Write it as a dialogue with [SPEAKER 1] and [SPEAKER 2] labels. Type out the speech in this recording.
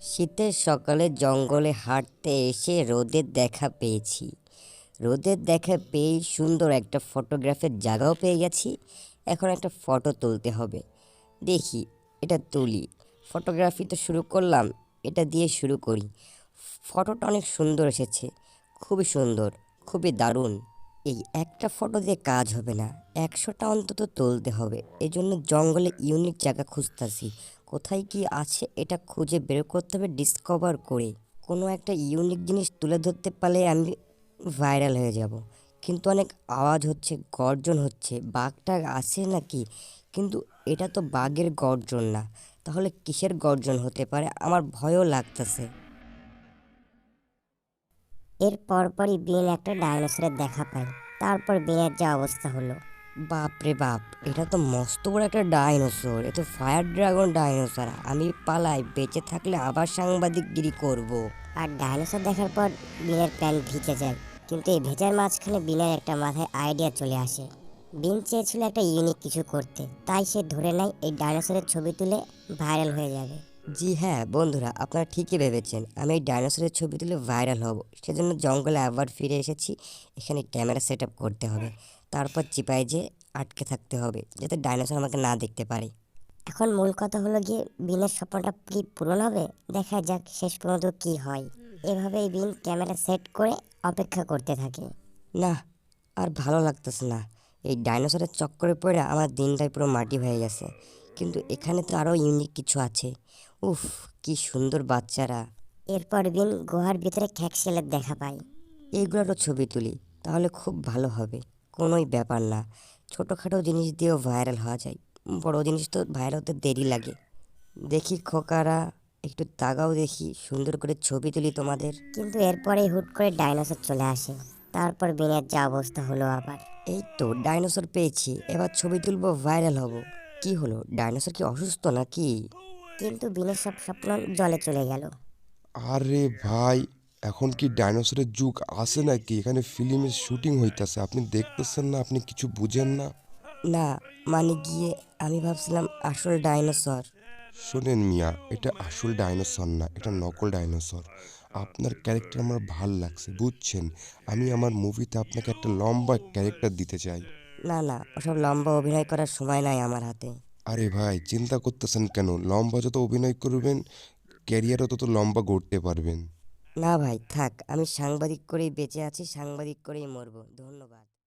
[SPEAKER 1] শীতের সকালে জঙ্গলে হাঁটতে এসে রোদের দেখা পেয়েছি। রোদের দেখা পেয়েই সুন্দর একটা ফটোগ্রাফের জায়গাও পেয়ে গেছি। এখন একটা ফটো তুলতে হবে। দেখি এটা তুলি। ফটোগ্রাফি তো শুরু করলাম, এটা দিয়ে শুরু করি। ফটোটা অনেক সুন্দর এসেছে, খুবই সুন্দর, খুবই দারুণ। এই একটা ফটো দিয়ে কাজ হবে না, 100টা অন্তত তুলতে হবে। এই জন্য জঙ্গলে ইউনিক জায়গা খুঁজতেছি। কোথায় কি আছে এটা খুঁজে বের করতে হবে, ডিসকভার করে। কোনো একটা ইউনিক জিনিস তুলে ধরতে পারলে আমি ভাইরাল হয়ে যাব। কিন্তু অনেক আওয়াজ হচ্ছে, গর্জন হচ্ছে। বাঘটা আছে নাকি? কিন্তু এটা তো বাঘের গর্জন না, তাহলে কিসের গর্জন হতে পারে? আমার ভয়ও লাগতেছে।
[SPEAKER 2] এর পরপরই বিন একটা ডাইনোসরের দেখা পায়। তারপর বিনের যা অবস্থা হলো।
[SPEAKER 1] বাপ রে বাপ, এটা তো মস্ত বড় একটা ডাইনোসর। এ তো ফায়ার ড্রাগন ডাইনোসর। আমি পালাই, বেঁচে থাকলে আবার সাংবাদিকগিরি করব।
[SPEAKER 2] আর ডাইনোসর দেখার পর বিনের প্যান্ট ভিজে যায়। কিন্তু এই ভেজার মাঝখানে বিনের একটা মাথায় আইডিয়া চলে আসে। বিন চেয়েছিল একটা ইউনিক কিছু করতে, তাই সে ধরে নেয় এই ডাইনোসরের ছবি তুলে ভাইরাল হয়ে যাবে।
[SPEAKER 1] জি হ্যাঁ বন্ধুরা, আপনারা ঠিকই ভেবেছেন। আমি এই ডাইনোসরের ছবি তুলে ভাইরাল হব। সেজন্য জঙ্গলে আবার ফিরে এসেছি। এখানে ক্যামেরা সেট আপ করতে হবে, তারপর চিপায় যে আটকে থাকতে হবে যাতে ডাইনোসর আমাকে না দেখতে পারে।
[SPEAKER 2] এখন মূল কথা হলো গিয়ে বিনের স্বপ্নটা কি পূরণ হবে, দেখা যাক শেষ পর্যন্ত কি হয়। এভাবেই বিন ক্যামেরা সেট করে অপেক্ষা করতে থাকে।
[SPEAKER 1] না, আর ভালো লাগতেছে না। এই ডাইনোসরের চক্করে পড়ে আমার দিনটাই পুরো মাটি হয়ে গেছে। কিন্তু এখানে তো আরও ইউনিক কিছু আছে। উফ, কি সুন্দর বাচ্চারা।
[SPEAKER 2] এরপর বিন গুহার ভিতরে খ্যাকশিয়ালের দেখা পায়।
[SPEAKER 1] এইগুলোরও ছবি তুলি, তাহলে খুব ভালো হবে। কোনোই ব্যাপার না, ছোটোখাটো জিনিস দিয়েও ভাইরাল হওয়া যায়। বড় জিনিস তো ভাইরাল হতে দেরি লাগে। দেখি খোকারা, একটু তাকাও দেখি, সুন্দর করে ছবি তুলি তোমাদের।
[SPEAKER 2] কিন্তু এরপরেই হুট করে ডাইনোসর চলে আসে। তারপর বিনের যা অবস্থা হলো আবার।
[SPEAKER 1] এই তো ডাইনোসর পেয়েছি, এবার ছবি তুলবো, ভাইরাল হব। কি হলো, ডাইনোসর কি অসুস্থ নাকি?
[SPEAKER 2] কিন্তু বিনের সব স্বপ্ন জলে চলে গেল।
[SPEAKER 3] আরে ভাই, এখন কি ডাইনোসরের যুগ আছে নাকি? এখানে ফিল্মের শুটিং হইতাছে, আপনি দেখতেছেন না? আপনি কিছু বুঝেন না?
[SPEAKER 1] না, মানে গিয়ে আমি ভাবছিলাম আসল ডাইনোসর।
[SPEAKER 3] শোনেন মিয়া, এটা আসল ডাইনোসর না, এটা নকল ডাইনোসর। আপনার ক্যারেক্টার আমার ভাল লাগছে, বুঝছেন? আমি আমার মুভিতে আপনাকে একটা লম্বা ক্যারেক্টার দিতে চাই।
[SPEAKER 1] না না, ওসব লম্বা অভিনয় করার সময় নাই আমার হাতে।
[SPEAKER 3] আরে ভাই, চিন্তা করতেছেন কেন? লম্বা যত অভিনয় করবেন, ক্যারিয়ারও তত লম্বা গড়তে পারবেন।
[SPEAKER 1] না ভাই থাক, আমি সাংবাদিক করেই বেঁচে আছি, সাংবাদিক করেই মরবো। ধন্যবাদ।